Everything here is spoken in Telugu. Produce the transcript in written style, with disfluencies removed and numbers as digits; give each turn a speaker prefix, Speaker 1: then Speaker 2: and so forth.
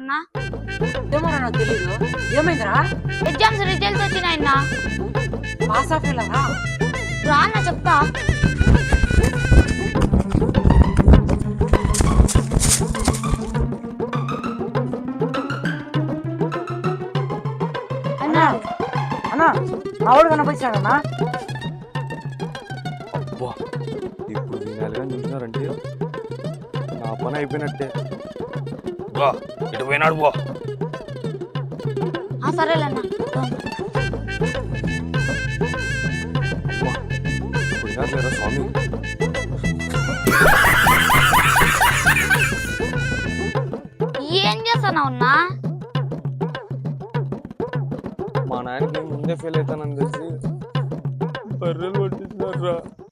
Speaker 1: అన్నా?
Speaker 2: ఏమో నాకు తెలీదు. ఏమైందిరా?
Speaker 1: ఎగ్జామ్స్ రిజల్ట్స్ వచ్చినాయన్నా.
Speaker 2: పాస్ ఆఫ్ రా
Speaker 1: రా అన్న చెప్తా.
Speaker 2: అన్నా అన్నా మా వాడు కనిపించాడన్నా.
Speaker 3: అబ్బా ఇప్పుడు వినాలిగా చూసినారంటే నా పని అయిపోయినట్టే. బా ఇటు పోయినాడు బా.
Speaker 1: సరేలేన్నా.
Speaker 3: పోయినారు స్వామి.
Speaker 1: ఏం చేస్తున్నావు అన్నా?
Speaker 3: మా నాయనకి ముందే ఫెయిల్ అవుతానని తెలిసి బర్రెలు కొట్టించినారు రా.